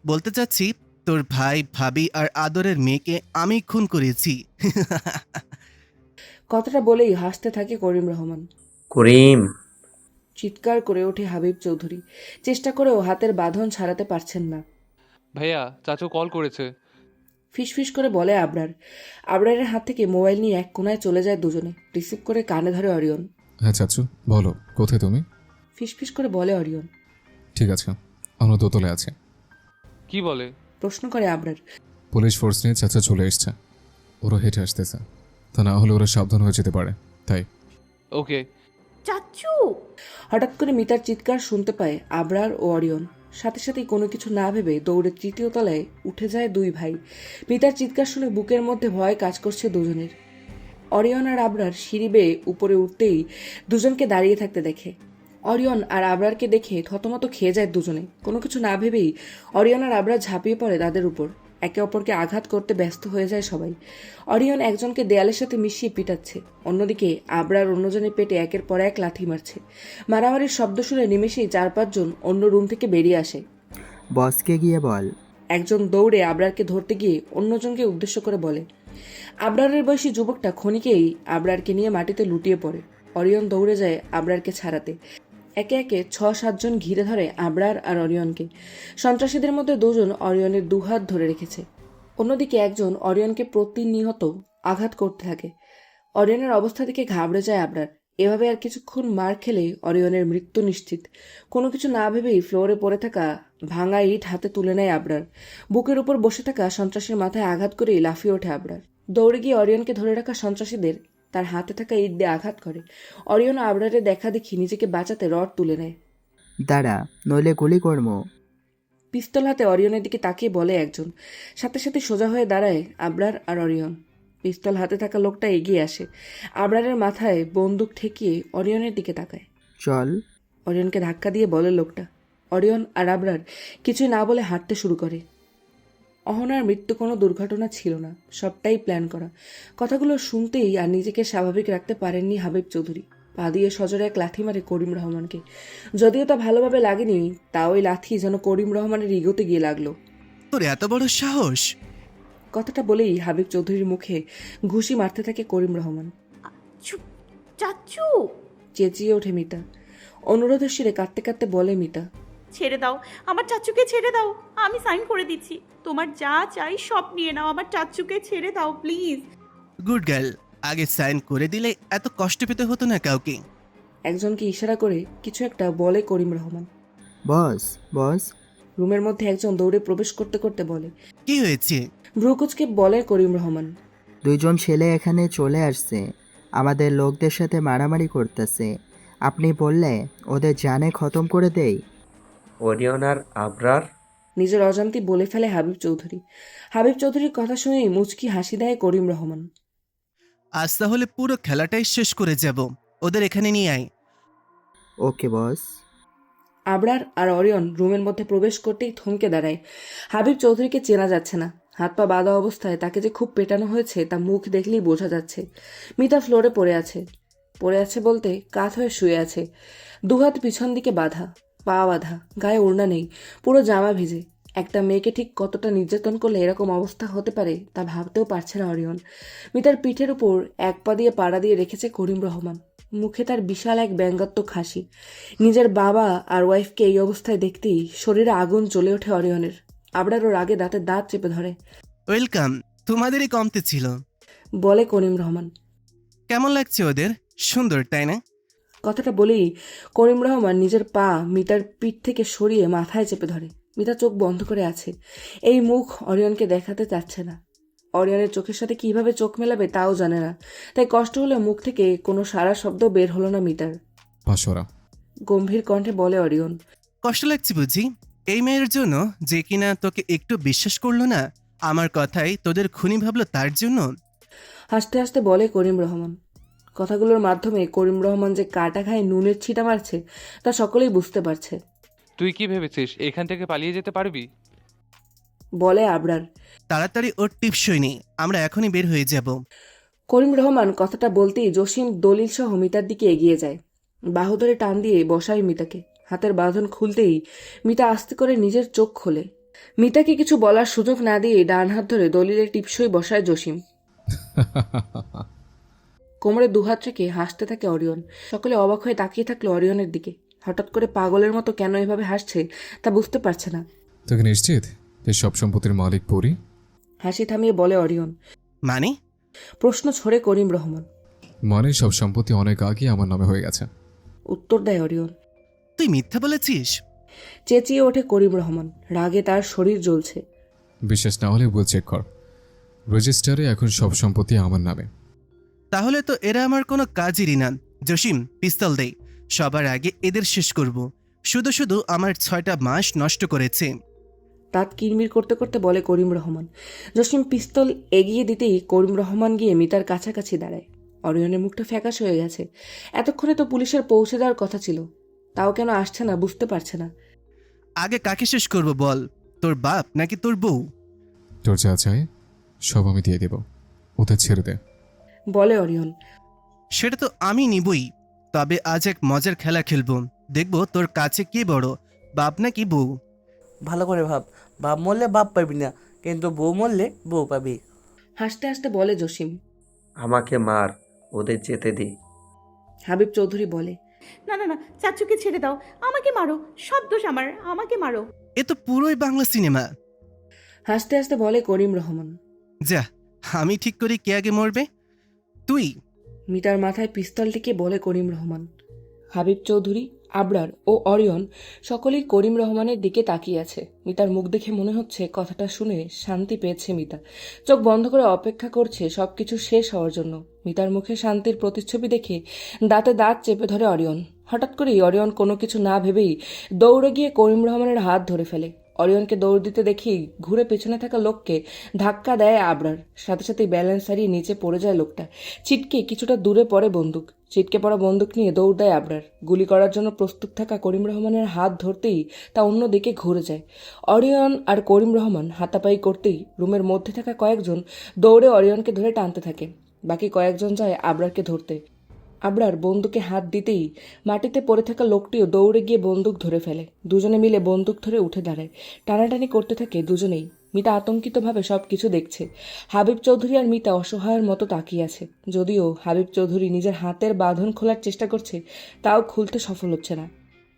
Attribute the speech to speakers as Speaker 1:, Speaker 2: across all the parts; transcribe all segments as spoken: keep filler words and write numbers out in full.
Speaker 1: বলতে চাচ্ছি তোর ভাই ভাবি আর আদরের মেয়েকে আমি খুন করেছি।
Speaker 2: কথাটা বলেই হাসতে থাকে করিম রহমান।
Speaker 3: করিম।
Speaker 2: চিৎকার করে ওঠে হাবিব চৌধুরী। চেষ্টা করেও হাতের বাঁধন ছাড়াতে পারছেন না।
Speaker 4: ভাইয়া, চাচু কল করেছে।
Speaker 2: ফিসফিস করে বলে আবরার। আবরারের হাত থেকে মোবাইল নিয়ে এক কোনায় চলে যায় দুজনে। রিসিভ করে কানে ধরে অরিয়ন।
Speaker 5: হ্যাঁ চাচু বলো, কোথায় তুমি?
Speaker 2: ফিসফিস করে বলে অরিয়ন।
Speaker 5: ঠিক আছে, আমরা দোতলে আছি।
Speaker 4: কি বলে?
Speaker 2: প্রশ্ন করে আবরার।
Speaker 5: পুলিশ ফোর্স নিয়ে চাচা চলে এসছে, ওরা হেঁটে আসতেছে, তা না হলে ওরা সাবধান হয়ে যেতে পারে, তাই।
Speaker 4: ওকে।
Speaker 6: চাচু!
Speaker 2: হঠাৎ করে মিতার চিৎকার শুনতে পায় আবরার ও অরিয়ন। সাথে সাথেই কোনো কিছু না ভেবে দৌড়ে তৃতীয় তলায় উঠে যায় দুই ভাই। মিতার চিৎকার শুনে বুকের মধ্যে ভয় কাজ করছে দুজনের। অরিয়ন আর আবরার সিঁড়ি বেয়ে উপরে উঠতেই দুজনকে দাঁড়িয়ে থাকতে দেখে। অরিয়ন আর আবরারকে দেখে থতমত খেয়ে যায় দুজনে। কোনো কিছু না ভেবেই অরিয়ন আর আবরার ঝাঁপিয়ে পড়ে তাদের উপর। একে অপরকে আঘাত করতে ব্যস্ত হয়ে যায় সবাই। অরিয়ন একজনকে দেয়ালের সাথে মিশিয়ে পিটাচ্ছে, অন্যদিকে আবরার অন্যজনের পেটে একের পর এক লাথি মারছে। মারামারির শব্দ শুনে নিমেষেই চার পাঁচজন অন্য রুম থেকে বেরিয়ে আসে।
Speaker 7: বসকে গিয়ে বল।
Speaker 2: একজন দৌড়ে আবরারকে ধরতে গিয়ে অন্যজনকে উদ্দেশ্য করে বলে। আবরারের বয়সী যুবকটা ক্ষণিকেই আবরারকে নিয়ে মাটিতে লুটিয়ে পড়ে। অরিয়ন দৌড়ে যায় আবরারকে ছাড়াতে। একে একে ছ সাতজন ঘিরে ধরে আবরার আর অরিয়নকে। সন্ত্রাসীদের মধ্যে দুজন অরিয়নের দুহাত ধরে রেখেছে। অন্যদিকে একজন অরিয়নকে প্রতিনিয়ত আঘাত করতে থাকে। অরিয়নের অবস্থা থেকে ঘাবড়ে যায় আবরার। এভাবে আর কিছুক্ষণ মার খেলে অরিয়নের মৃত্যু নিশ্চিত। কোনো কিছু না ভেবেই ফ্লোরে পড়ে থাকা ভাঙা ইট হাতে তুলে নেয় আবরার। বুকের উপর বসে থাকা সন্ত্রাসীর মাথায় আঘাত করেই লাফিয়ে ওঠে আবরার। দৌড়ে গিয়ে অরিয়নকে ধরে রাখা সন্ত্রাসীদের তার হাতে থাকা ইট দিয়ে আঘাত করে। অরিয়ন আবরারের দেখা দেখি নিজেকে বাঁচাতে রড তুলে নেয়।
Speaker 7: দাঁড়া, নইলে গুলি করবো।
Speaker 2: পিস্তল হাতে অরিয়নের দিকে তাকিয়ে বলে একজন। সাথে সাথে সোজা হয়ে দাঁড়ায় আবরার আর অরিয়ন। পিস্তল হাতে থাকা লোকটা এগিয়ে আসে। আবরারের মাথায় বন্দুক ঠেকিয়ে অরিয়নের দিকে তাকায়।
Speaker 7: চল।
Speaker 2: অরিয়নকে ধাক্কা দিয়ে বলে লোকটা। অরিয়ন আর আবরার কিছুই না বলে হাঁটতে শুরু করে। অহনার মৃত্যু কোনো দুর্ঘটনা ছিল না, সবটাই প্ল্যান করা। কথাগুলো শুনতেই আর নিজেকে স্বাভাবিক রাখতে পারেননি হাবিব চৌধুরী। পা দিয়ে সজোরে এক লাথি মারে করিম রহমানকে। যদিও তা ভালোভাবে লাগেনি, তা ওই লাথি যেন করিম রহমানের ইগোতে গিয়ে লাগলো।
Speaker 1: তোর এত বড় সাহস!
Speaker 2: কথাটা বলেই হাবিব চৌধুরীর মুখে ঘুষি মারতে থাকে করিম রহমান।
Speaker 6: চুপ! চাচু!
Speaker 2: চেঁচিয়ে ওঠে মিতা। অনুরোধের শিরে কাঁদতে কাঁদতে বলে মিতা।
Speaker 6: ছেড়ে দাও, আমার চাচুকে ছেড়ে দাও। আমি সাইন করে দিচ্ছি, তোমার যা চাই সব নিয়ে নাও। আমার চাচুকে ছেড়ে দাও প্লিজ।
Speaker 1: গুড গার্ল, আগে সাইন করে দিলে এত কষ্ট পেতে হতো না কাউকে।
Speaker 2: একজনকে ইশারা করে কিছু একটা বলে করিম রহমান।
Speaker 7: বস, বস।
Speaker 2: রুমের মধ্যে একজন দৌড়ে প্রবেশ করতে করতে বলে।
Speaker 1: কি হয়েছে?
Speaker 2: ভ্রুকুচকে বলে করিম রহমান।
Speaker 7: দুইজন ছেলে এখানে চলে আসছে, আমাদের লোকদের সাথে মারামারি করতেছে। আপনি বললে ওদের জানে খতম করে দেই।
Speaker 3: ওরিয়ন আর আবরার?
Speaker 2: নিজের অজান্তে বলে ফেলে হাবিব চৌধুরী। হাবিব চৌধুরীর কথা শুনেই মুচকি হাসি দেয় করিম রহমান।
Speaker 1: আজ তাহলে পুরো খেলাটাই শেষ করে যাব। ওদের এখানে নিয়ে আয়।
Speaker 7: ওকে বস।
Speaker 2: আবরার আর অরিয়ন রুমের মধ্যে প্রবেশ করতেই থমকে দাঁড়ায়। হাবিব চৌধুরীকে চেনা যাচ্ছে না। হাত পা বাঁধা অবস্থায় তাকে যে খুব পেটানো হয়েছে তা মুখ দেখলেই বোঝা যাচ্ছে। মিতা ফ্লোরে পড়ে আছে। পড়ে আছে বলতে কাত হয়ে শুয়ে আছে। দুহাত পিছন দিকে বাঁধা, পা বাঁধা, গায়ে ওড়না নেই, পুরো জামা ভিজে। একটা মেয়েকে ঠিক কতটা নির্যাতন করলে এরকম অবস্থা হতে পারে তা ভাবতেও পারছে না অরিয়ন। মিতার পিঠের উপর এক পা দিয়ে পাড়া দিয়ে রেখেছে করিম রহমান। মুখে তার বিশাল এক ব্যঙ্গাত্মক হাসি। নিজের বাবা আর ওয়াইফকে এই অবস্থায় দেখতেই শরীরে আগুন জ্বলে ওঠে অরিয়নের। আবরার ওর আগে দাঁতে দাঁত চেপে ধরে।
Speaker 1: ওয়েলকাম, তোমাদেরই কমতে ছিল।
Speaker 2: বলে করিম রহমান।
Speaker 1: কেমন লাগছে ওদের? সুন্দর, তাই না?
Speaker 2: কথাটা বলেই করিম রহমান নিজের পা মিতার পিঠ থেকে সরিয়ে মাথায় চেপে ধরে। মিতা চোখ বন্ধ করে আছে। এই মুখ অরিয়নকে দেখাতে চাচ্ছে না। অরিয়নের চোখের সাথে কিভাবে চোখ মেলাবে তাও জানে না। তাই কষ্ট হলে মুখ থেকে কোনো সারা শব্দ বের হলো না মিতার।
Speaker 5: পাশরা।
Speaker 2: গম্ভীর কণ্ঠে বলে অরিয়ন।
Speaker 1: কষ্ট লাগছে বুঝি এই মেয়ের জন্য, যে কিনা তোকে একটু বিশ্বাস করলো না? আমার কথাই তোদের খুনি ভাবলো তার জন্য?
Speaker 2: হাসতে হাসতে বলে করিম রহমান। কথাগুলোর মাধ্যমে করিম রহমান যে কাটা খায় নুনের ছিটা মারছে তা সকলেই বুঝতে পারছে।
Speaker 4: তুই কি ভেবেছিস এখান থেকে পালিয়ে যেতে পারবি?
Speaker 2: বলে আবরার।
Speaker 1: তাড়াতাড়ি ওর টিপসই নেই, আমরা এখনই বের হয়ে যাব।
Speaker 2: করিম রহমান কথাটা বলতেই জসিম দলিল সহ মিতার দিকে এগিয়ে যায়। বাহু ধরে টান দিয়ে বসায় মিতাকে। হাতের বাঁধন খুলতেই মিতা আস্তে করে নিজের চোখ খোলে। মিতাকে কিছু বলার সুযোগ না দিয়ে ডান হাত ধরে দলিলের টিপসই বসায় জসিম। কোমরে দুহাত রেখে হাসতে থাকে অরিয়ন। সকলে অবাক হয়ে তাকিয়ে থাকলো অরিয়নের দিকে। হঠাৎ করে পাগলের মতো কেন এভাবে হাসছে তা বুঝতে পারছে না।
Speaker 5: তোকে নিশ্চিত যে সব সম্পত্তির মালিক পরি?
Speaker 2: হাসি থামিয়ে বলে অরিয়ন।
Speaker 1: মানে?
Speaker 2: প্রশ্ন ছড়ে করিম রহমান।
Speaker 5: মানে সব সম্পত্তি অনেক আগে আমার নামে হয়ে গেছে।
Speaker 2: উত্তর দেয় অরিয়ন।
Speaker 1: তুই মিথ্যা বলেছিস?
Speaker 2: চেঁচিয়ে ওঠে করিম রহমান। রাগে তার শরীর জ্বলছে।
Speaker 5: বিশ্বাস না হলে বল চেক কর, রেজিস্টারে এখন সব সম্পত্তি আমার নামে।
Speaker 1: তাহলে তো এরা আমার কোনো কাজেরই না। জসিম, পিস্তল দেই, সবার আগে এদের শেষ করব। শুধু শুধু আমার ছয়টা মাস নষ্ট করেছে।
Speaker 2: দাঁত কিরমির করতে করতে বলে করিম রহমান। জসিম পিস্তল এগিয়ে দিতেই করিম রহমান গিয়ে মিতার কাছাকাছি দাঁড়ায়। অরিয়নের মুখটা ফ্যাকাশ হয়ে গেছে। এতক্ষণে তো পুলিশের পৌঁছে দেওয়ার কথা ছিল, তাও কেন আসছে না বুঝতে পারছে না।
Speaker 1: আগে কাকে শেষ করব বল, তোর বাপ নাকি তোর বউ?
Speaker 5: তোর যা চাই সব আমি দিয়ে দেব, ওদের ছেড়ে দে।
Speaker 2: বলে অরিয়ন।
Speaker 1: সেটা তো আমি নিবই, তবে আজ এক মজার খেলা খেলবো। দেখবো তোর কাছে কে বড়, বাপ নাকি বউ।
Speaker 8: ভালো করে ভাব, বাপ মরলে বাপ পাবি না, কিন্তু বউ মরলে বউ পাবি।
Speaker 2: হাসতে হাসতে বলে জসিম।
Speaker 3: আমাকে মার, ওদের যেতে দি।
Speaker 2: হাবিব চৌধুরী বলে।
Speaker 6: না না না, চাচুকে ছেড়ে দাও, আমাকে মারো, সব দোষ আমার, আমাকে মারো।
Speaker 1: এ তো পুরোই বাংলা সিনেমা।
Speaker 2: হাসতে হাসতে বলে করিম রহমান।
Speaker 1: যা, আমি ঠিক করি কে আগে মরবে। তুই?
Speaker 2: মিতার মাথায় পিস্তলটিকে বলে করিম রহমান। হাবিব চৌধুরী, আবরার ও অরিয়ন সকলেই করিম রহমানের দিকে তাকিয়ে আছে। মিতার মুখ দেখে মনে হচ্ছে কথাটা শুনে শান্তি পেয়েছে মিতা। চোখ বন্ধ করে অপেক্ষা করছে সবকিছু শেষ হওয়ার জন্য। মিতার মুখে শান্তির প্রতিচ্ছবি দেখে দাঁতে দাঁত চেপে ধরে অরিয়ন। হঠাৎ করেই অরিয়ন কোনো কিছু না ভেবেই দৌড়ে গিয়ে করিম রহমানের হাত ধরে ফেলে। অরিয়নকে দৌড় দিতে দেখি ঘুরে পেছনে থাকা লোককে ধাক্কা দেয় আবরার। সাথে সাথে ব্যালেন্স হারিয়ে নিচে পড়ে যায় লোকটা। ছিটকে কিছুটা দূরে পড়ে বন্দুক। ছিটকে পড়া বন্দুক নিয়ে দৌড় দেয় আবরার। গুলি করার জন্য প্রস্তুত থাকা করিম রহমানের হাত ধরতেই তা অন্যদিকে ঘুরে যায়। অরিয়ন আর করিম রহমান হাতাপাই করতেই রুমের মধ্যে থাকা কয়েকজন দৌড়ে অরিয়নকে ধরে টানতে থাকে। বাকি কয়েকজন যায় আবরারকে ধরতে। আবরার বন্দুকে হাত দিতেই মাটিতে পড়ে থাকা লোকটিও দৌড়ে গিয়ে বন্দুক ধরে ফেলে। দুজনে মিলে বন্দুক ধরে উঠে দাঁড়ায়। টানাটানি করতে থাকে দুজনেই। মিতা আতঙ্কিতভাবে সব কিছু দেখছে। হাবিব চৌধুরী আর মিতা অসহায়ের মতো তাকিয়ে আছে। যদিও হাবিব চৌধুরী নিজের হাতের বাঁধন খোলার চেষ্টা করছে, তাও খুলতে সফল হচ্ছে না।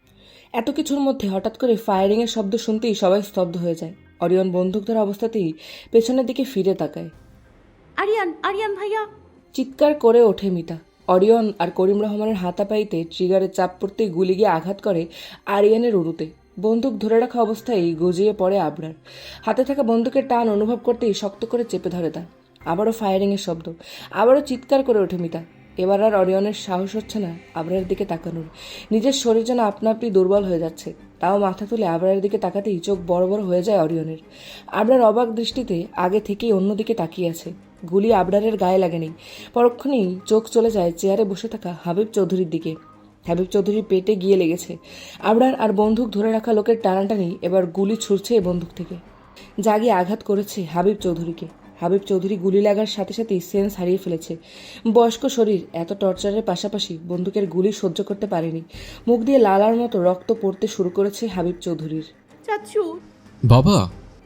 Speaker 2: এত কিছুর মধ্যে হঠাৎ করে ফায়ারিংয়ের শব্দ শুনতেই সবাই স্তব্ধ হয়ে যায়। অরিয়ন বন্দুক ধরা অবস্থাতেই পেছনের দিকে ফিরে তাকায়।
Speaker 6: আরিয়ান, আরিয়ান ভাইয়া।
Speaker 2: চিৎকার করে ওঠে মিতা। অরিয়ন আর করিম রহমানের হাতাপাইতে ট্রিগারের চাপ পড়তেই গুলি গিয়ে আঘাত করে আরিয়ানের উরুতে। বন্দুক ধরে রাখা অবস্থায় গজিয়ে পড়ে আবরার। হাতে থাকা বন্দুকের টান অনুভব করতেই শক্ত করে চেপে ধরে তা। আবারও ফায়ারিংয়ের শব্দ। আবারও চিৎকার করে ওঠে মিতা। এবার আর অরিয়নের সাহস হচ্ছে না আবরারের দিকে তাকানোর। নিজের শরীর যেন আপনা আপনি দুর্বল হয়ে যাচ্ছে। তাও মাথা তুলে আবরারের দিকে তাকাতেই চোখ বড় বড় হয়ে যায় অরিয়নের। আবরার অবাক দৃষ্টিতে আগে থেকেই অন্যদিকে তাকিয়ে আছে। গুলি আবরারের গায়ে লাগেনি। পরক্ষণেই চোখ চলে যায় চেয়ারে বসে থাকা হাবিব চৌধুরীর দিকে। হাবিব চৌধুরীর পেটে গিয়ে লেগেছে। আবরার আর বন্দুক ধরে রাখা লোকের টানাটানি এবার গুলি ছুটছে এই বন্দুক থেকে। জাগিয়ে আঘাত করেছে হাবিব চৌধুরীকে। হাবিব চৌধুরী গুলি লাগার সাথে সাথেই সেন্স হারিয়ে ফেলেছে। বয়স্ক শরীর এত টর্চারের পাশাপাশি বন্দুকের গুলি সহ্য করতে পারেনি। মুখ দিয়ে লালার মতো রক্ত পড়তে শুরু করেছে হাবিব চৌধুরীর।
Speaker 6: চাচু।
Speaker 5: বাবা!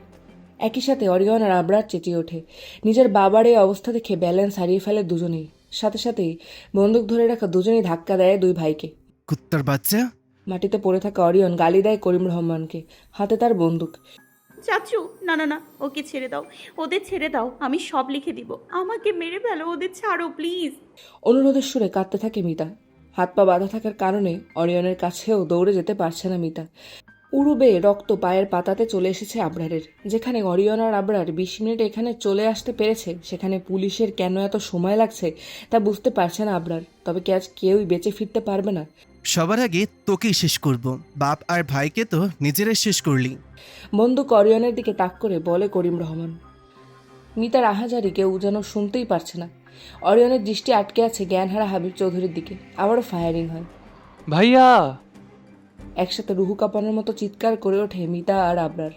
Speaker 2: একই সাথে অরিয়ন আর আবরার চেঁচিয়ে ওঠে। নিজের বাবার এই অবস্থা দেখে ব্যালেন্স হারিয়ে ফেলে দুজনেই। সাথে সাথেই বন্দুক ধরে রাখা দুজনেই ধাক্কা দেয় দুই ভাইকে।
Speaker 1: কুত্তার বাচ্চা!
Speaker 2: মাটিতে পড়ে থাকা অরিয়ন গালি দেয় করিম রহমানকে। হাতে তার বন্দুক।
Speaker 6: চাচু, না না না, ওকে ছেড়ে দাও, ওদের ছেড়ে দাও, আমি সব লিখে দিব। আমাকে মেরে ফেলো, ওদের ছাড়ো প্লিজ।
Speaker 2: অনুরোধের সুরে কাঁদতে থাকে মিতা। হাত পা বাঁধা থাকার কারণে অরিয়নের কাছেও দৌড়ে যেতে পারছে না মিতা। উড়ু বেয়ে রক্ত পায়ের পাতাতে চলে এসেছে আবরারের। যেখানে অরিয়ন আর আবরার বিশ মিনিট এখানে চলে আসতে পেরেছে, সেখানে পুলিশের কেন এত সময় লাগছে তা বুঝতে পারছে না আবরার। তবে কি আজ কেউই বেঁচে ফিরতে পারবে না?
Speaker 1: সবার আগে তোকেই শেষ করব। বাপ আর ভাইকে তো নিজেরাই শেষ করলি।
Speaker 2: বন্দুক অরিয়নের দিকে তাক করে বলে করিম রহমান। মিতার আহাজারি কেউ যেন শুনতেই পারছে না। অরিয়নের দৃষ্টি আটকে আছে জ্ঞানহারা হাবিব চৌধুরীর দিকে। আবারও ফায়ারিং হয়।
Speaker 4: ভাইয়া!
Speaker 2: একসাথে রুহু কাঁপানোর মতো চিৎকার করে ওঠে মিতা আর আবরার।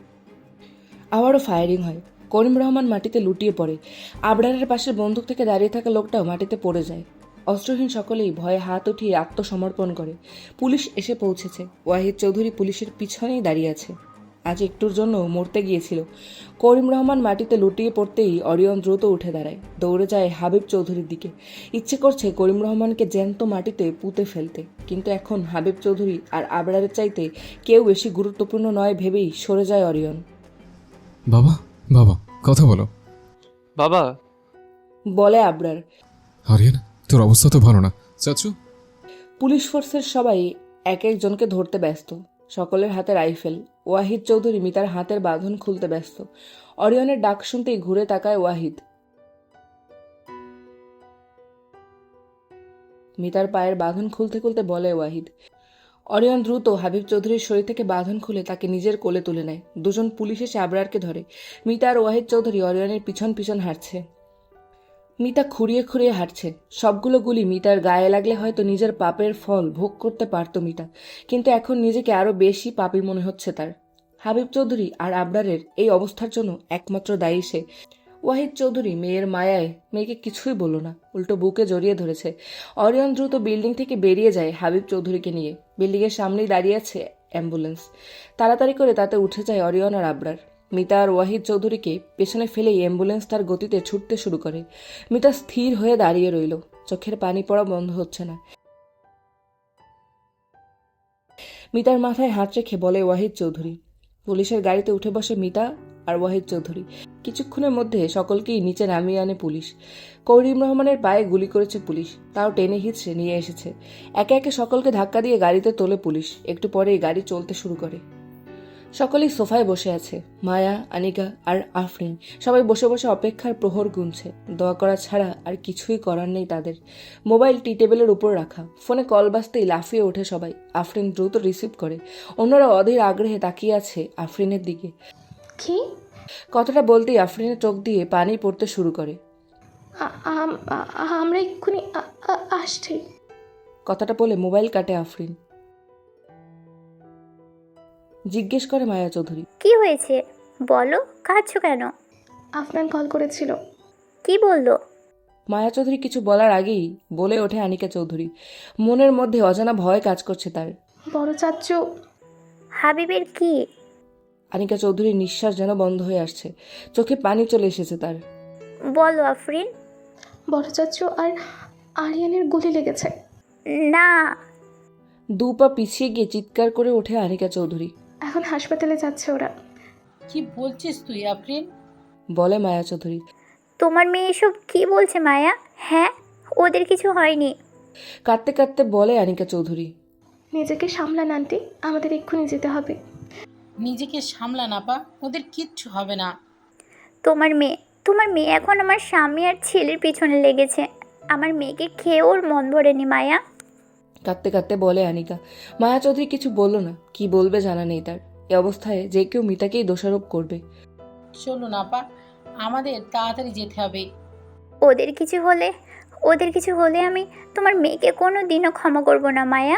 Speaker 2: আবারও ফায়ারিং হয়। করিম রহমান মাটিতে লুটিয়ে পড়ে। আবরারের পাশে বন্দুক থেকে দাঁড়িয়ে থাকা লোকটাও মাটিতে পড়ে যায়। অস্ত্রহীন সকলেই ভয়ে হাত উঠিয়ে আত্মসমর্পণ করে। পুলিশ এসে পৌঁছেছে। ওয়াহিদ চৌধুরী পুলিশের পিছনেই দাঁড়িয়ে আছে। আজ একটুর জন্য মরতে গিয়েছিল। করিম রহমান মাটিতে লুটিয়ে পড়তেই অরিয়ন দ্রুত উঠে দাঁড়ায়, দৌড়ে যায় হাবিব চৌধুরীর দিকে। ইচ্ছে করছে করিম রহমানকে জ্যান্ত মাটিতে পুঁতে ফেলতে, কিন্তু এখন হাবিব চৌধুরী আর আবরারের চাইতে কেউ বেশি গুরুত্বপূর্ণ নয় ভেবেই সরে যায় অরিয়ন।
Speaker 5: বাবা, বাবা, কথা বলো।
Speaker 4: বাবা,
Speaker 2: বলে আবরার।
Speaker 5: আরিয়ান, তোর অবস্থা তো ভালো না। চাচু?
Speaker 2: পুলিশ ফোর্সের সবাই এক একজনকে ধরতে ব্যস্ত, সকলের হাতে রাইফেল। ওয়াহিদ চৌধুরী মিতার হাতের বাঁধন খুলতে ব্যস্ত। অরিয়নের ডাক শুনতেই ঘুরে তাকায় ওয়াহিদ। মিতার পায়ের বাঁধন খুলতে খুলতে বলে ওয়াহিদ। অরিয়ন দ্রুত হাবিব চৌধুরীর শরীর থেকে বাঁধন খুলে তাকে নিজের কোলে তুলে নেয়। দুজন পুলিশ এসে আবরারকে ধরে। মিতা আর ওয়াহিদ চৌধুরী অরিয়নের পিছন পিছন হাঁটছে। মিতা খুঁড়িয়ে খুঁড়িয়ে হাঁটছে। সবগুলো গুলি মিতার গায়ে লাগলে হয়তো নিজের পাপের ফল ভোগ করতে পারত মিতা, কিন্তু এখন নিজেকে আরো বেশি পাপী মনে হচ্ছে তার। হাবিব চৌধুরী আর আবরারের এই অবস্থার জন্য একমাত্র দায়ী সে। ওয়াহিদ চৌধুরী মেয়ের মায়ায় মেয়েকে কিছুই বলল না, উল্টো বুকে জড়িয়ে ধরেছে। অরিয়ন দ্রুত বিল্ডিং থেকে বেরিয়ে যায় হাবিব চৌধুরীকে নিয়ে। বিল্ডিংয়ের সামনেই দাঁড়িয়ে আছে অ্যাম্বুলেন্স। তাড়াতাড়ি করে তাতে উঠে যায় অরিয়ন আর আবরার। মিতা আর ওয়াহিদ চৌধুরীকে পেছনে ফেলেই অ্যাম্বুলেন্স তার গতিতে ছুটতে শুরু করে। মিতা স্থির হয়ে দাঁড়িয়ে রইল, চোখের পানি পড়া বন্ধ হচ্ছে না। মিতার মাথায় হাত রেখে বলে ওয়াহিদ চৌধুরী। পুলিশের গাড়িতে উঠে বসে মিতা আর ওয়াহিদ চৌধুরী। কিছুক্ষণের মধ্যে সকলকেই নিচে নামিয়ে আনে পুলিশ। করিম রহমানের পায়ে গুলি করেছে পুলিশ, তাও টেনে হিঁচড়ে নিয়ে এসেছে। একে একে সকলকে ধাক্কা দিয়ে গাড়িতে তোলে পুলিশ। একটু পরেই গাড়ি চলতে শুরু করে। সকলেই সোফায় বসে আছে, মায়া, আনিকা আর আফরিন। সবাই বসে বসে অপেক্ষার প্রহর গুনছে। দোয়া করা ছাড়া আর কিছুই করার নেই তাদের। মোবাইল টি টেবিলের উপর রাখা, ফোনে কল বাজতেই লাফিয়ে ওঠে সবাই। আফরিন দ্রুত রিসিভ করে। অন্যরা অধীর আগ্রহে তাকিয়ে আছে আফরিনের দিকে।
Speaker 9: কি?
Speaker 2: কথাটা বলতেই আফরিনের চোখ দিয়ে পানি পড়তে শুরু করে।
Speaker 9: আ- আম- আ- আমরা এক্ষুনি আ- আ- আসছি।
Speaker 2: কথাটা বলে মোবাইল কাটে আফরিন। জিজ্ঞেস করে মায়া চৌধুরী।
Speaker 10: কি হয়েছে বলো, কাঁদছো কেন?
Speaker 9: আফনান কল করেছিল।
Speaker 10: কি বললো?
Speaker 2: মায়া চৌধুরী কিছু বলার আগেই বলে ওঠে আনিকা চৌধুরী। মনের মধ্যে অজানা ভয় কাজ করছে তার।
Speaker 9: বড় চাচ্চু।
Speaker 10: হাবিবের কি?
Speaker 2: আনিকা চৌধুরীর নিঃশ্বাস যেন বন্ধ হয়ে আসছে, চোখে পানি চলে এসেছে তার।
Speaker 10: বলো আফরিন।
Speaker 9: বড় চাচ্চু আর আরিয়ানের গুলি লেগেছে।
Speaker 10: না।
Speaker 2: দু পা পিছিয়ে গিয়ে চিৎকার করে ওঠে আনিকা চৌধুরী।
Speaker 9: এখন হাসপাতালে যাচ্ছে ওরা।
Speaker 11: কি বলছিস তুই আফরিন?
Speaker 2: বলে মায়া চৌধুরী।
Speaker 10: তোমার মেয়ে এসব কি বলছে মায়া? হ্যাঁ, ওদের কিছু হয়নি।
Speaker 2: কাঁদতে কাঁদতে বলে আনিকা চৌধুরী।
Speaker 9: নিজেকে সামলান আন্টি, আমাদের এক্ষুনি যেতে হবে।
Speaker 11: নিজেকে সামলা না পা, ওদের কিচ্ছু হবে না।
Speaker 10: তোমার মেয়ে তোমার মেয়ে এখন আমার স্বামী আর ছেলের পিছনে লেগেছে। আমার মেয়েকে খেয়ে ওর মন ভরেনি মায়া।
Speaker 2: কাঁদতে কাঁদতে বলে আনিকা। মায়া চৌধুরী কিছু বলল না, কি বলবে জানা নেই তার। এ অবস্থায় যে কেউ মিতাকেই দোষারোপ করবে।
Speaker 11: চলো না পা, আমাদের তাড়াতাড়ি যেতে হবে।
Speaker 10: ওদের কিছু হলে ওদের কিছু হলে আমি তোমার মেয়েকে কোনো দিনও ক্ষমা করব না মায়া।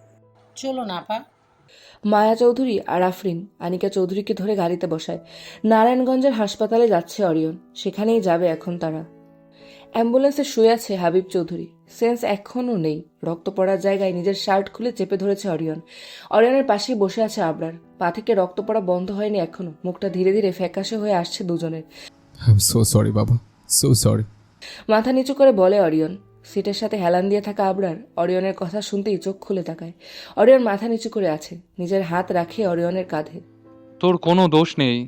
Speaker 11: চলো না পা।
Speaker 2: মায়া চৌধুরী আর আফরিন আনিকা চৌধুরীকে ধরে গাড়িতে বসায়। নারায়ণগঞ্জের হাসপাতালে যাচ্ছে অরিয়ন, সেখানেই যাবে এখন তারা। অ্যাম্বুলেন্সে শুয়ে আছে হাবিব চৌধুরী, সেন্স এখনও নেই। রক্ত পড়ার জায়গায় নিজের শার্ট খুলে চেপে ধরেছে অরিয়ন। অরিয়নের পাশেই বসে আছে আবরার, পা থেকে রক্ত পড়া বন্ধ হয়নি এখনো। মুখটা ধীরে ধীরে ফ্যাকাশে হয়ে আসছে দুজনের।
Speaker 5: আই এম সো সরি বাবা, সো সরি।
Speaker 2: মাথা নিচু করে বলে অরিয়ন। সিটের সাথে হেলান দিয়ে থাকা আবরার অরিয়নের কথা শুনতেই চোখ খুলে তাকায়। অরিয়ন মাথা নিচু করে আছে, নিজের হাত রাখে অরিয়নের কাঁধে।
Speaker 4: তোর কোনো দোষ নেই।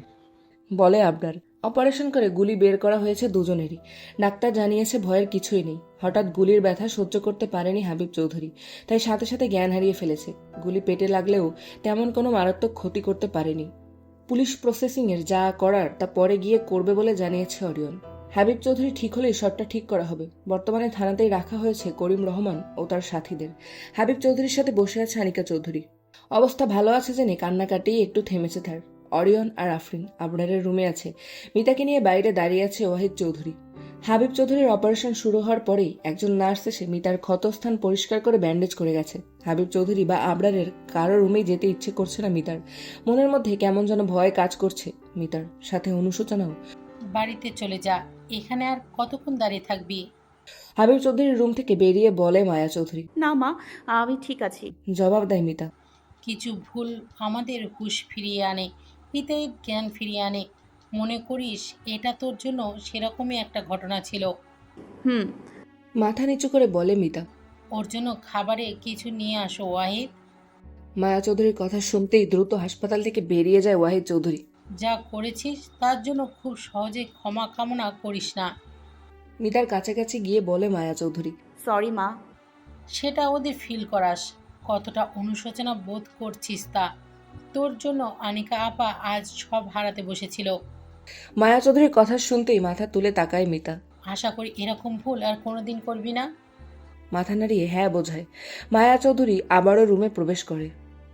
Speaker 2: বলে আবরার। অপারেশন করে গুলি বের করা হয়েছে দুজনেরই। ডাক্তার জানিয়েছে ভয়ের কিছুই নেই। হঠাৎ গুলির ব্যথা সহ্য করতে পারেনি হাবিব চৌধুরী, তাই সাথে সাথে জ্ঞান হারিয়ে ফেলেছে। গুলি পেটে লাগলেও তেমন কোনো মারাত্মক ক্ষতি করতে পারেনি। পুলিশ প্রসেসিংয়ের যা করার তা পরে গিয়ে করবে বলে জানিয়েছে অরিয়ন। হাবিব চৌধুরী ঠিক হলেই সবটা ঠিক করা হবে। বর্তমানে থানাতেই রাখা হয়েছে করিম রহমান ও তার সাথীদের। হাবিব চৌধুরীর সাথে বসে আছে আনিকা চৌধুরী। অবস্থা ভালো আছে জেনে কান্নাকাটি একটু থেমেছে তার। অরিয়ন আর আফরিন আবরারের রুমে আছে। মিতাকে নিয়ে বাইরে দাঁড়িয়ে আছে ওয়াহিদ চৌধুরী। হাবিব চৌধুরীর অপারেশন শুরু হওয়ার পরেই একজন নার্স এসে মিতার ক্ষতস্থান পরিষ্কার করে ব্যান্ডেজ করে গেছে। হাবিব চৌধুরী বা আবরারের কারো রুমেই যেতে ইচ্ছে করছে না মিতার। মনের মধ্যে কেমন যেন ভয় কাজ করছে মিতার, সাথে অনুশোচনাও।
Speaker 11: বাড়িতে চলে যা, এখানে আর কতক্ষণ দাঁড়িয়ে থাকবি?
Speaker 2: হাবিব চৌধুরীর রুম থেকে বেরিয়ে বলে মায়া চৌধুরী।
Speaker 6: না মা, আমি ঠিক আছি।
Speaker 2: জবাব দেয় মিতা।
Speaker 11: কিছু ভুল আমাদের হুঁশ ফিরিয়ে আনে। মিতাই জ্ঞান ফিরিয়ে আনে। মনে করিস এটা তোর জন্য সেরকমই একটা ঘটনা ছিল?
Speaker 6: হুম।
Speaker 2: মাথা নিচু করে বলে মিতা।
Speaker 11: ওর জন্য খাবারে কিছু নিয়ে আসো ওয়াহিদ।
Speaker 2: মায়া চৌধুরীর কথা শুনতেই দ্রুত হাসপাতাল থেকে বেরিয়ে যায় ওয়াহিদ চৌধুরী।
Speaker 11: যা করেছিস তার জন্য খুব সহজে ক্ষমা কামনা করিস না।
Speaker 2: মিতার কাছাকাছি গিয়ে বলে মায়া চৌধুরী।
Speaker 6: সরি মা।
Speaker 11: সেটা ওদের ফিল করাস, কতটা অনুশোচনা বোধ করছিস তা। তোর জন্য আনিকা আপা আজ সব হারাতে বসেছিল।
Speaker 2: মায়া চৌধুরীর কথা শুনতেই মাথা তুলে তাকায় মিতা।
Speaker 11: আশা করি এরকম ভুল আর কোনোদিন করবি না।
Speaker 2: মাথা নাড়িয়ে হ্যাঁ বোঝায়। মায়া চৌধুরী আবারও রুমে প্রবেশ করে।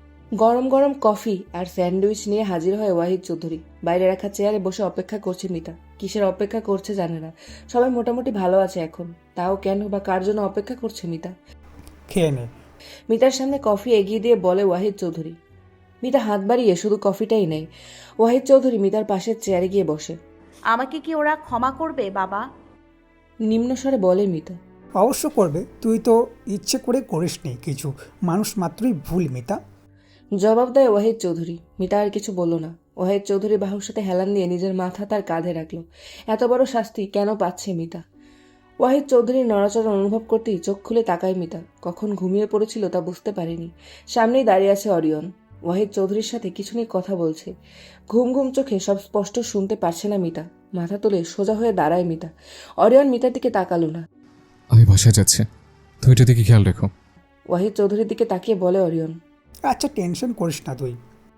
Speaker 2: গরম গরম কফি আর স্যান্ডউইচ নিয়ে হাজির হয় ওয়াহিদ চৌধুরী। বাইরে রাখা চেয়ারে বসে অপেক্ষা করছে মিতা। কিসের অপেক্ষা করছে জানে না। সবাই মোটামুটি ভালো আছে এখন, তাও কেন বা কার জন্য অপেক্ষা করছে মিতা?
Speaker 12: খেয়ে নে।
Speaker 2: মিতার সামনে কফি এগিয়ে দিয়ে বলে ওয়াহিদ চৌধুরী। মিতা হাত বাড়িয়ে শুধু কফিটাই নেয়। ওয়াহিদ চৌধুরী মিতার পাশের চেয়ারে গিয়ে বসে।
Speaker 6: আমাকে কি ওরা ক্ষমা করবে বাবা?
Speaker 2: নিম্নস্বরে বলে মিতা।
Speaker 12: অবশ্য করবে, তুই তো ইচ্ছে করে করিসনি কিছু, মানুষ মাত্রই ভুল মিতা।
Speaker 2: জবাব দেয় ওয়াহিদ চৌধুরী। মিতা আর কিছু বলল না। ওয়াহিদ চৌধুরী বাহুর সাথে হেলান দিয়ে নিজের মাথা তার কাঁধে রাখল। এত বড় শাস্তি কেন পাচ্ছে মিতা? ওয়াহিদ চৌধুরীর নড়াচড়া অনুভব করতেই চোখ খুলে তাকায় মিতা। কখন ঘুমিয়ে পড়েছিল তা বুঝতে পারেনি। সামনেই দাঁড়িয়ে আছে অরিয়ন। ওয়াহিদ চৌধুরীর সাথে কিছু নিয়ে কথা বলছে। ঘুম ঘুম চোখে সব স্পষ্ট শুনতে পারছে না মিতা। মাথা তুলে সোজা হয়ে দাঁড়ায় মিতা। অরিয়ন মিতার দিকে তাকালো না।
Speaker 5: আমি বাসায় যাচ্ছি, তুমি এটা দিকে খেয়াল রেখো।
Speaker 2: ওয়াহিদ চৌধুরীর দিকে তাকিয়ে বলে অরিয়ন।
Speaker 12: আচ্ছা, টেনশন করিস না তুই।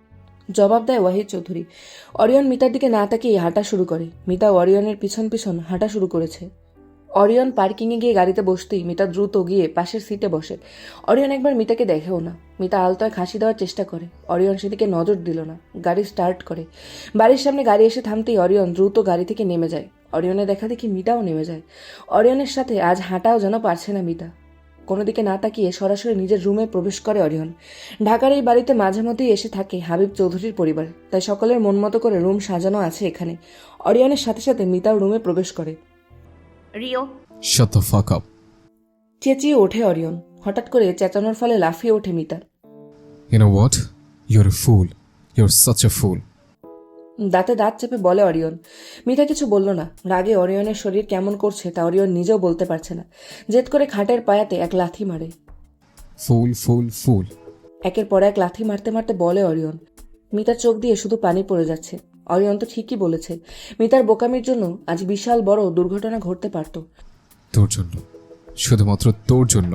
Speaker 2: জবাব দেয় ওয়াহিদ চৌধুরী। অরিয়ন মিতার দিকে না তাকিয়ে হাঁটা শুরু করে। মিতা অরিয়নের পিছন পিছন হাঁটা শুরু করেছে। অরিয়ন পার্কিংয়ে গিয়ে গাড়িতে বসতেই মিতা দ্রুত গিয়ে পাশের সিটে বসে। অরিয়ন একবার মিতাকে দেখেও না। মিতা আলতোয় হাসি দেওয়ার চেষ্টা করে। অরিয়ন সেদিকে নজর দিল না। গাড়ি স্টার্ট করে। বাড়ির সামনে গাড়ি এসে থামতেই অরিয়ন দ্রুত গাড়ি থেকে নেমে যায়। অরিয়নের দেখা দেখি মিতাও নেমে যায়। অরিয়নের সাথে আজ হাঁটাও যেন পারছে না মিতা। কোনো দিকে না তাকিয়ে সরাসরি নিজের রুমে প্রবেশ করে অরিয়ন। ঢাকার এই বাড়িতে মাঝে মধ্যেই এসে থাকে হাবিব চৌধুরীর পরিবার, তাই সকলের মন মতো করে রুম সাজানো আছে এখানে। অরিয়নের সাথে সাথে মিতাও রুমে প্রবেশ করে।
Speaker 6: Rio.
Speaker 5: Shut the fuck up.
Speaker 2: চেঁচিয়ে ওঠে অরিয়ন। হঠাৎ করে চেঁচানোর ফলে লাফিয়ে ওঠে Mita.
Speaker 5: You know what, you're a fool, you're such a fool.
Speaker 2: দাঁতে দাঁত চেপে বলে অরিয়ন। মিতা কিছু বলল না। রাগে অরিয়নের শরীর কেমন করছে তা অরিয়ন নিজেও বলতে পারছে না। জেদ করে খাটের পায়াতে এক লাথি মারে।
Speaker 5: ফুল ফুল ফুল।
Speaker 2: একের পর এক লাথি মারতে মারতে বলে অরিয়ন। মিতার চোখ দিয়ে শুধু পানি পড়ে যাচ্ছে। অরিয়ন তো ঠিকই বলেছে। মিতার বোকামির জন্য আজ বিশাল বড় দুর্ঘটনা ঘটতে পারত।
Speaker 5: তোর জন্য, শুধুমাত্র তোর জন্য।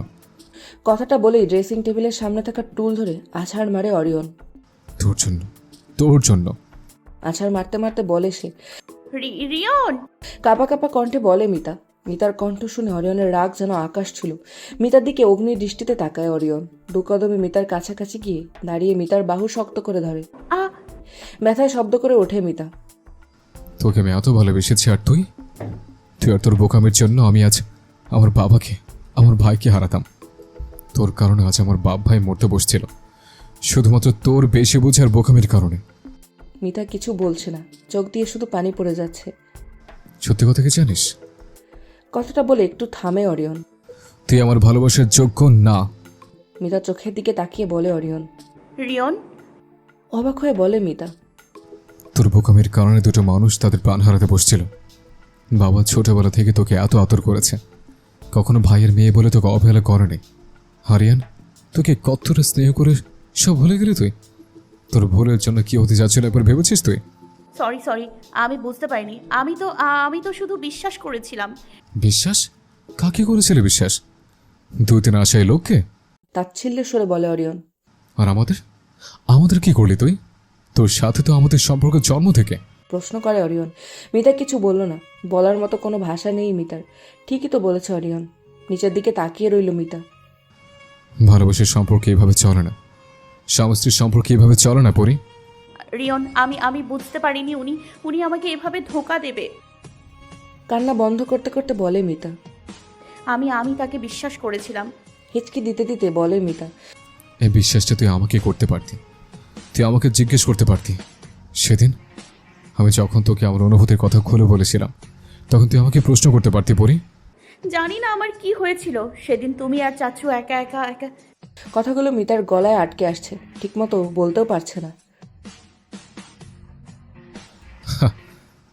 Speaker 2: কথাটা বলেই ড্রেসিং টেবিলের সামনে থাকা টুল ধরে আছাড় মারে অরিয়ন।
Speaker 5: তোর জন্য, তোর জন্য।
Speaker 2: আছাড় মারতে মারতে বলে সে।
Speaker 6: রি- রিয়ন।
Speaker 2: কাপা কাপা কণ্ঠে বলে মিতা। মিতার কণ্ঠ শুনে অরিয়নের রাগ যেন আকাশ ছিল। মিতার দিকে অগ্নির দৃষ্টিতে তাকায় অরিয়ন। দু কদমে মিতার কাছাকাছি গিয়ে দাঁড়িয়ে মিতার বাহু শক্ত করে ধরে।
Speaker 6: আ
Speaker 2: ব্যথায় শব্দ করে ওঠে মিতা।
Speaker 5: তোকে আমি এত ভালোবেসেছি, আর তুই তুই আর তোর বোকামের জন্য আমি আজ আমার বাবাকে, আমার ভাইকে হারাতাম। তোর কারণে আজ আমার বাপ ভাই মরতে বসছিল, শুধুমাত্র তোর বেশি বোঝার বোকামের কারণে।
Speaker 2: মিতা কিছু বলছে না। চোখ দিয়ে শুধু পানি পড়ে যাচ্ছে।
Speaker 5: সত্যি কথা কি জানিস?
Speaker 2: কথাটা বলে একটু থামে অরিয়ন।
Speaker 5: তুই আমার ভালোবাসার যোগ্য না।
Speaker 2: মিতা চোখের দিকে তাকিয়ে বলে অরিয়ন।
Speaker 6: রিয়ন।
Speaker 2: অবাক হয়ে বলে মিতা।
Speaker 5: তোর বোকামের কারণে দুটো মানুষ তাদের প্রাণ হারাতে বসছিল। বাবা ছোটবেলা থেকে তোকে এত আদর করেছে, কখনো ভাইয়ের মেয়ে বলে তোকে অবহেলা করেনি। হারিয়ান তোকে কতটা স্নেহ করে সব ভুলে গেলি তুই। তোর ভুলের জন্য কি হতে যাচ্ছিল একবার ভেবেছিস তুই?
Speaker 6: সরি সরি, আমি বুঝতে পারিনি। আমি তো আমি তো শুধু বিশ্বাস করেছিলাম।
Speaker 5: বিশ্বাস? কাকে করেছিলে বিশ্বাস? দুই তিন আশায় লোককে?
Speaker 2: তাচ্ছিল্যের সুরে বলে অরিয়ন।
Speaker 5: আর আমাদের আমাদের কি করলি তুই? তোর সাথে তো আমাদের সম্পর্ক জন্ম থেকে।
Speaker 2: প্রশ্ন করে অরিয়ন। মিতা কিছু বলল না। বলার মতো কোনো ভাষা নেই মিতার। ঠিকই তো বলেছে অরিয়ন। নিচের দিকে তাকিয়ে রইল মিতা।
Speaker 5: ভালোবাসার সম্পর্কে এভাবে চলে না, স্বামী স্ত্রীর সম্পর্কে এভাবে চলে না পরি।
Speaker 6: রিয়ন, আমি আমি বুঝতে পারিনি উনি উনি আমাকে এভাবে ধোঁকা দেবে।
Speaker 2: কান্না বন্ধ করতে করতে বলে মিতা।
Speaker 6: আমি আমি তাকে বিশ্বাস করেছিলাম।
Speaker 2: হিচকি দিতে দিতে বলে মিতা।
Speaker 5: এই বিশ্বাসটা তুই আমাকে করতে পারতি, তুই আমাকে জিজ্ঞেস করতে পারতি। সেদিন আমি যখন তোকে আমার অনুভূতির কথা খুলে বলেছিলাম, তখন তুই আমাকে প্রশ্ন করতে পারতি পরি।
Speaker 6: জানি না আমার কি হয়েছিল সেদিন। তুমি আর চাচু একা একা একা।
Speaker 2: কথাগুলো মিতার গলায় আটকে আসছে। ঠিকমতো বলতেও পারছে না।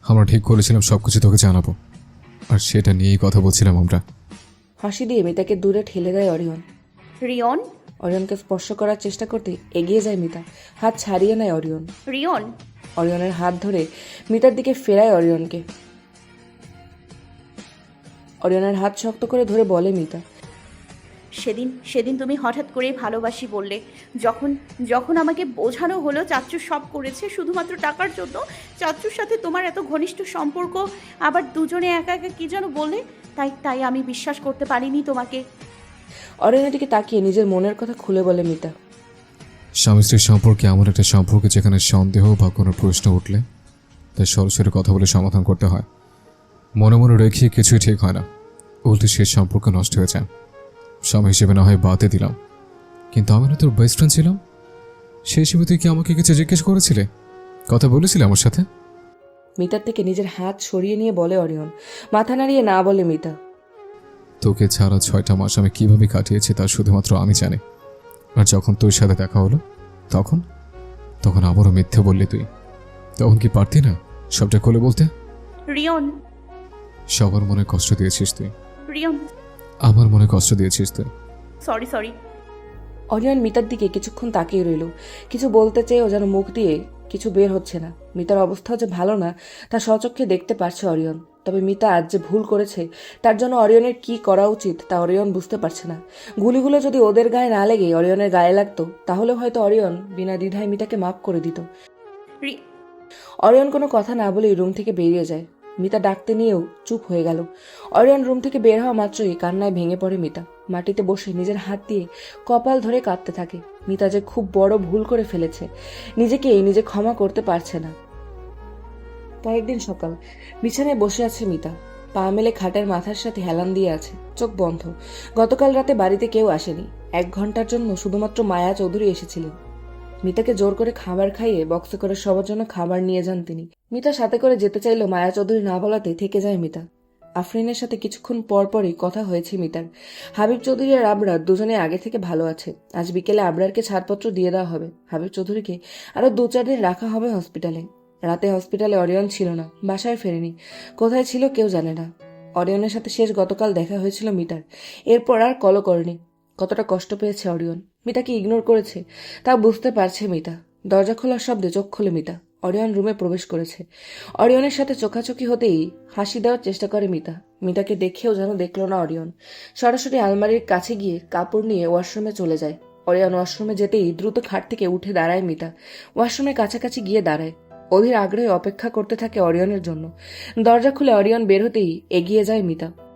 Speaker 5: আমরা ঠিক করেছিলাম সব কিছু তোকে জানাবো, আর সেটা নিয়েই কথা বলছিলাম আমরা।
Speaker 2: হাসি দিয়ে মিতাকে দূরে ঠেলে দেয় অরিয়ন।
Speaker 6: রিয়ন,
Speaker 2: অরিয়নকে স্পর্শ করার চেষ্টা করতে এগিয়ে যায় মিতা, হাত ছাড়িয়ে নেয় অরিয়ন।
Speaker 6: রিয়ন,
Speaker 2: অরিয়নের হাত ধরে মিতার দিকে ফেরায় অরিয়নকে। অরিয়নের হাত শক্ত করে ধরে বলে মিতা,
Speaker 6: সেদিন সেদিন তুমি হঠাৎ করেই ভালোবাসি বললে, যখন যখন আমাকে বোঝানো হলো চাচ্চু সব করেছে শুধুমাত্র টাকার জন্য, চাচ্চুর সাথে তোমার এত ঘনিষ্ঠ সম্পর্ক, আবার দুজনে একা একা কী যেন বললে, তাই তাই আমি বিশ্বাস করতে পারিনি তোমাকে।
Speaker 2: অরিয়নের দিকে তাকিয়ে নিজের মনের কথা খুলে বলে মিতা।
Speaker 5: স্বামী স্ত্রীর সম্পর্কে এমন একটা সম্পর্ক যেখানে সন্দেহ বা কোনো প্রশ্ন উঠলে তাই সরাসরি কথা বলে সমাধান করতে হয়। মনে মনে রেখে কিছুই ঠিক হয় না, উল্টে সেই সম্পর্ক নষ্ট হয়ে যায়। স্বামী হিসেবে না হয় বাদে দিলাম, কিন্তু আমি না তোর বেস্ট ফ্রেন্ড ছিলাম। সেই হিসেবে তুই কি আমাকে কিছু জিজ্ঞেস করেছিলে, কথা বলেছিলে আমার সাথে?
Speaker 2: মিতার থেকে নিজের হাত সরিয়ে নিয়ে বলে অরিয়ন। মাথা নাড়িয়ে না বলে মিতা।
Speaker 5: তোকে ছাড়া ছয়টা মাস আমি কিভাবে কাটিয়েছি তা শুধুমাত্র আমি জানি। আর যখন তোর সাথে দেখা হলো তখন তখন আবারও মিথ্যে বললি তুই। তখন কি পারতি না সবটা খুলে বলতে?
Speaker 6: রিয়ন,
Speaker 5: সবার মনে কষ্ট দিয়েছিস তুই,
Speaker 6: রিয়ন,
Speaker 5: আমার মনে কষ্ট দিয়েছিস তুই।
Speaker 6: Sorry sorry.
Speaker 2: অরিয়ন মিতার দিকে কিছুক্ষণ তাকিয়ে রইল। কিছু বলতে চেয়েও যেন মুখ দিয়ে কিছু বের হচ্ছে না। মিতার অবস্থাও যে ভালো না তা স্বচক্ষে দেখতে পারছে অরিয়ন। তবে মিতা আজ যে ভুল করেছে তার জন্য অরিয়নের কি করা উচিত তা অরিয়ন বুঝতে পারছে না। গুলিগুলো যদি ওদের গায়ে না লেগে অরিয়নের গায়ে লাগতো তাহলে হয়তো অরিয়ন বিনা দ্বিধায় মিতাকে মাফ করে দিত।
Speaker 6: রি-
Speaker 2: অরিয়ন কোনো কথা না বলেই রুম থেকে বেরিয়ে যায়। মিতা ডাকতে নিয়েও চুপ হয়ে গেল। অরিয়ন রুম থেকে বের হওয়া মাত্রই কান্নায় ভেঙে পড়ে মিতা। মাটিতে বসে নিজের হাত দিয়ে কপাল ধরে কাঁদতে থাকে। মিতা যে খুব বড় ভুল করে ফেলেছে, নিজেকেই নিজে ক্ষমা করতে পারছে না। কয়েকদিন সকাল, বিছানায় বসে আছে মিতা। পা মেলে খাটের মাথার সাথে হেলান দিয়ে আছে, চোখ বন্ধ। গতকাল রাতে বাড়িতে কেউ আসেনি। এক ঘন্টার জন্য শুধুমাত্র মায়া চৌধুরী এসেছিলেন। মিতাকে জোর করে খাবার খাইয়ে বক্সে করে সবার জন্য খাবার নিয়ে যান তিনি। মিতা সাথে করে যেতে চাইলেও মায়া চৌধুরী না বলাতে থেকে যায় মিতা। আফরিনের সাথে কিছুক্ষণ পর পরই কথা হয়েছে মিতার। হাবিব চৌধুরী আর আবরার দুজনে আগে থেকে ভালো আছে। আজ বিকেলে আবরারকে ছাড়পত্র দিয়ে দেওয়া হবে। হাবিব চৌধুরীকে আরো দু চার দিন রাখা হবে হসপিটালে। রাতে হসপিটালে অরিয়ন ছিল না, বাসায় ফেরেনি। কোথায় ছিল কেউ জানে না। অরিয়নের সাথে শেষ গতকাল দেখা হয়েছিল মিতার। এরপর আর কলও করেনি। কতটা কষ্ট পেয়েছে অরিয়ন, মিতাকে ইগনোর করেছে তা বুঝতে পারছে মিতা। দরজা খোলার শব্দে চোখ খুলে মিতা। অরিয়ন রুমে প্রবেশ করেছে। অরিয়নের সাথে চোখাচোখি হতেই হাসি দেওয়ার চেষ্টা করে মিতা। মিতাকে দেখেও যেন দেখল না অরিয়ন। সরাসরি আলমারির কাছে গিয়ে কাপড় নিয়ে ওয়াশরুমে চলে যায়। অরিয়ন ওয়াশরুমে যেতেই দ্রুত খাট থেকে উঠে দাঁড়ায় মিতা। ওয়াশরুমের কাছাকাছি গিয়ে দাঁড়ায়। অধীর আগ্রহে অপেক্ষা করতে থাকে অরিয়নের জন্য। দরজা খুলে অরিয়ন বের হতেই এগিয়ে যায় মিতা।